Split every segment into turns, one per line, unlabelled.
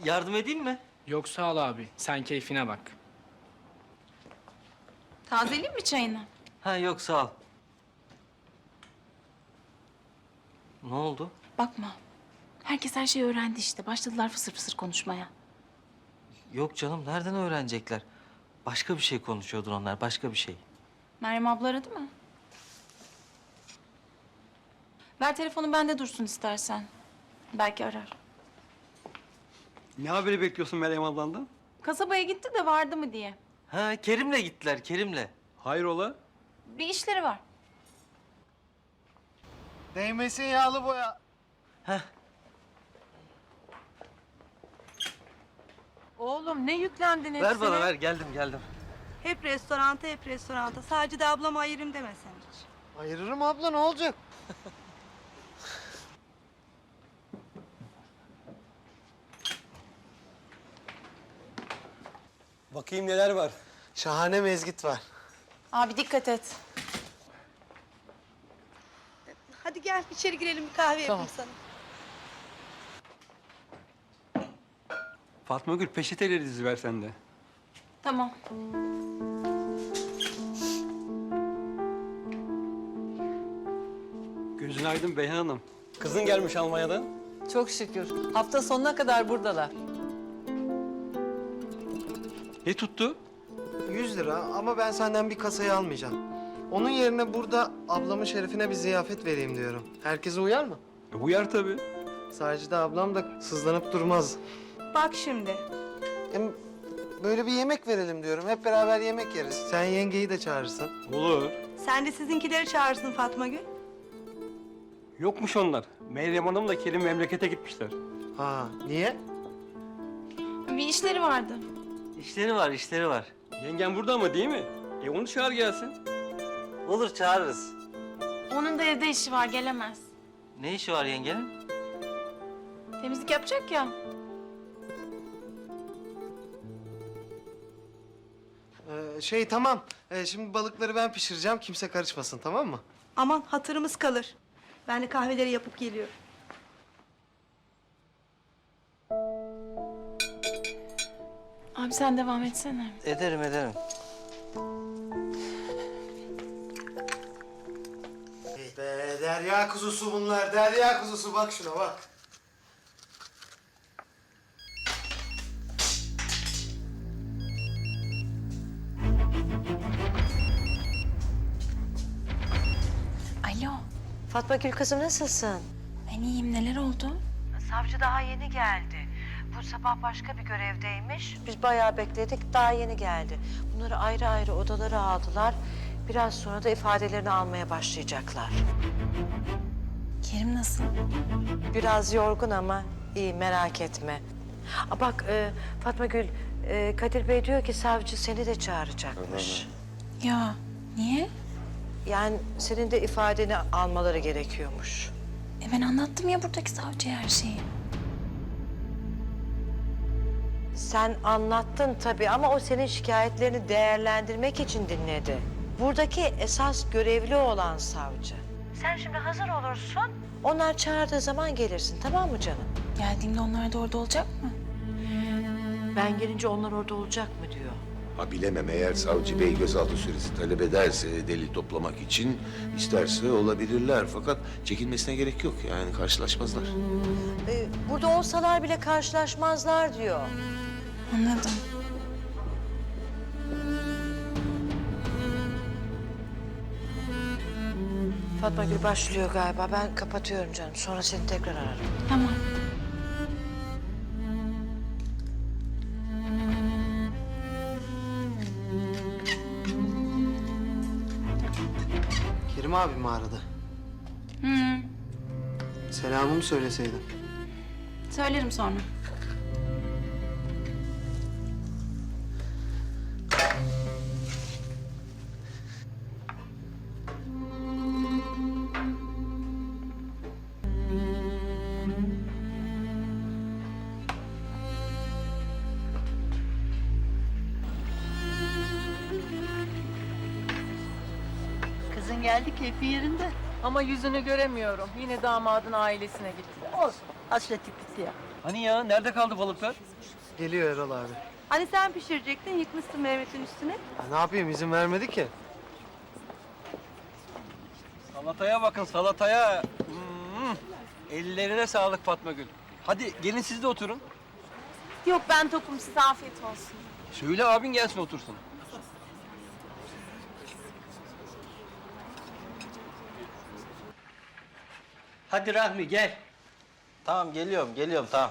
Yardım edeyim mi?
Yok sağ ol abi. Sen keyfine bak.
Tazeleyeyim mi çayını?
Ha yok sağ ol. Ne oldu?
Bakma. Herkes her şeyi öğrendi işte. Başladılar fısır fısır konuşmaya.
Yok canım nereden öğrenecekler? Başka bir şey konuşuyordur onlar başka bir şey.
Meryem abla aradı mı? Ver telefonu bende dursun istersen. Belki arar.
Ne haberi bekliyorsun Meryem ablandan?
Kasabaya gitti de vardı mı diye.
Ha Kerim'le gittiler Kerim'le.
Hayrola?
Bir işleri var.
Değmesin yağlı boya.
Oğlum ne yüklendin hepsine?
Ver bana ver geldim.
Hep restoranta. Sadece de ablama ayırayım demesen hiç.
Ayırırım abla, ne olacak?
Bakayım neler var.
Şahane mezgit var.
Abi dikkat et.
Hadi gel içeri girelim bir kahve yapayım sana.
Fatma Gül peçeteleri diziver sen de.
Tamam.
Gözün aydın Beyhan Hanım. Kızın gelmiş Almanya'dan.
Çok şükür. Hafta sonuna kadar buradalar.
Ne tuttu?
100 lira ama ben senden bir kasayı almayacağım. Onun yerine burada ablamın şerefine bir ziyafet vereyim diyorum. Herkese uyar mı?
Uyar tabii.
Sadece ablam da sızlanıp durmaz.
Bak şimdi.
Hem böyle bir yemek verelim diyorum. Hep beraber yemek yeriz. Sen yengeyi de çağırırsın.
Olur.
Sen de sizinkileri çağırsın Fatma Gül.
Yokmuş onlar. Meryem Hanım'la Kerim memlekete gitmişler.
Ha, niye?
Bir işleri vardı.
İşleri var.
Yengen burada ama değil mi? Onu çağır gelsin.
Olur çağırırız.
Onun da evde işi var, gelemez.
Ne işi var yengenin?
Temizlik yapacak ya.
Tamam. Şimdi balıkları ben pişireceğim. Kimse karışmasın, tamam mı?
Aman hatırımız kalır. Ben de kahveleri yapıp geliyorum.
Abi sen devam etsene.
Ederim.
Hey be, derya kuzusu bunlar. Derya kuzusu. Bak şuna bak.
Alo.
Fatma Gül kızım nasılsın?
Ben iyiyim. Neler oldu?
Savcı daha yeni geldi. Bu sabah başka bir görevdeymiş. Biz bayağı bekledik, daha yeni geldi. Bunları ayrı ayrı odalara aldılar. Biraz sonra da ifadelerini almaya başlayacaklar.
Kerim nasıl?
Biraz yorgun ama iyi, merak etme. Bak Fatma Gül, Kadir Bey diyor ki savcı seni de çağıracakmış.
Ya niye?
Yani senin de ifadeni almaları gerekiyormuş.
Ben anlattım ya buradaki savcıya her şeyi.
Sen anlattın tabii ama o senin şikayetlerini değerlendirmek için dinledi. Buradaki esas görevli olan savcı. Sen şimdi hazır olursun. Onlar çağırdığı zaman gelirsin, tamam mı canım?
Geldiğimde onlar da orada olacak mı?
Ben gelince onlar orada olacak mı diyor.
Ha bilemem, eğer savcı bey gözaltı süresi talep ederse delil toplamak için isterse olabilirler. Fakat çekinmesine gerek yok, yani karşılaşmazlar.
Burada olsalar bile karşılaşmazlar diyor.
Anladım.
Fatma Gül başlıyor galiba. Ben kapatıyorum canım. Sonra seni tekrar ararım.
Tamam.
Kerim abi mi aradı? Selamımı söyleseydin.
Söylerim sonra.
Kızın geldi keyfi yerinde.
Ama yüzünü göremiyorum. Yine damadın ailesine gittiler.
Olsun hasretlik bitti ya.
Hani ya nerede kaldı balıklar?
Geliyor Erol abi.
Hani sen pişirecektin, yıkmışsın Mehmet'in üstüne.
Ya ne yapayım, izin vermedi ki.
Salataya bakın salataya. Ellerine sağlık Fatma Gül. Hadi gelin siz de oturun.
Yok ben tokum, size afiyet olsun.
Söyle abin gelsin otursun.
Hadi Rahmi gel.
Tamam geliyorum tamam.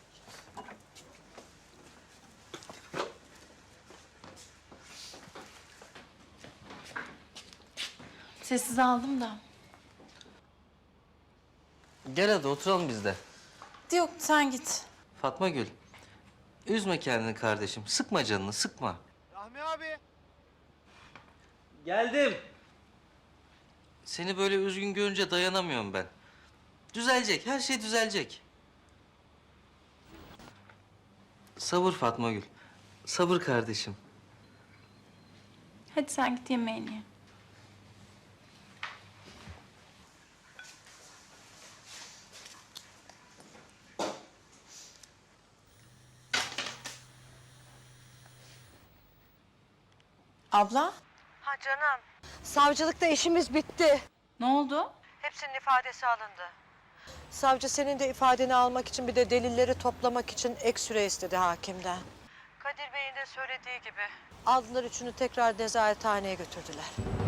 Sessiz aldım da.
Gel hadi oturalım biz de.
Yok sen git.
Fatma Gül, üzme kendini kardeşim. Sıkma canını, sıkma.
Rahmi abi.
Geldim.
Seni böyle üzgün görünce dayanamıyorum ben. Düzelecek, her şey düzelecek. Sabır Fatma Gül, sabır kardeşim.
Hadi sen git yemeğini ye. Abla,
Ha canım. Savcılıkta işimiz bitti.
ne oldu?
Hepsinin ifadesi alındı. Savcı senin de ifadeni almak için bir de delilleri toplamak için ek süre istedi hakimden. Kadir Bey'in de söylediği gibi. Aldılar üçünü tekrar nezarethaneye götürdüler.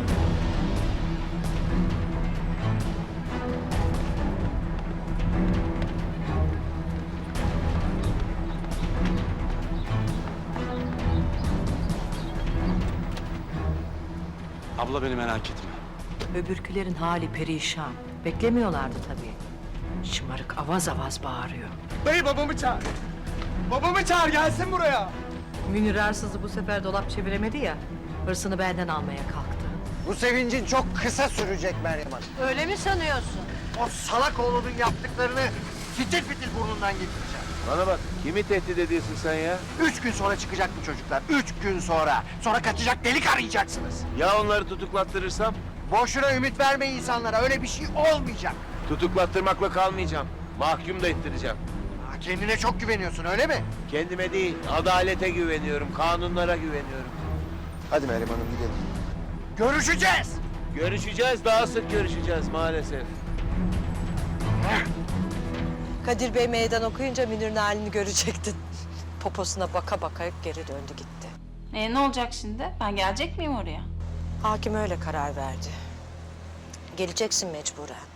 Abla beni merak etme.
Öbürkülerin hali perişan. Beklemiyorlardı tabii. Şımarık avaz avaz bağırıyor.
Dayı babamı çağır. Babamı çağır, gelsin buraya.
Münir Arsız'ı bu sefer dolap çeviremedi ya. Hırsını benden almaya kalktı.
Bu sevincin çok kısa sürecek Meryem Hanım.
Öyle mi sanıyorsun?
O salak oğlunun yaptıklarını fitil fitil burnundan getireceğim.
Bana bak, kimi tehdit ediyorsun sen ya?
3 gün sonra çıkacak bu çocuklar. 3 gün sonra. Sonra kaçacak delik arayacaksınız.
Ya onları tutuklattırırsam?
Boşuna ümit verme insanlara. Öyle bir şey olmayacak.
Tutuklattırmakla kalmayacağım. Mahkum da ettireceğim.
Ha, kendine çok güveniyorsun öyle mi?
Kendime değil, adalete güveniyorum, kanunlara güveniyorum.
Hadi Meryem Hanım gidelim. Görüşeceğiz.
Görüşeceğiz, daha sık görüşeceğiz maalesef.
Kadir Bey meydan okuyunca Münir'in halini görecektin. Poposuna baka baka geri döndü gitti.
Ne olacak şimdi? Ben gelecek miyim oraya?
Hakim öyle karar verdi. Geleceksin mecburen.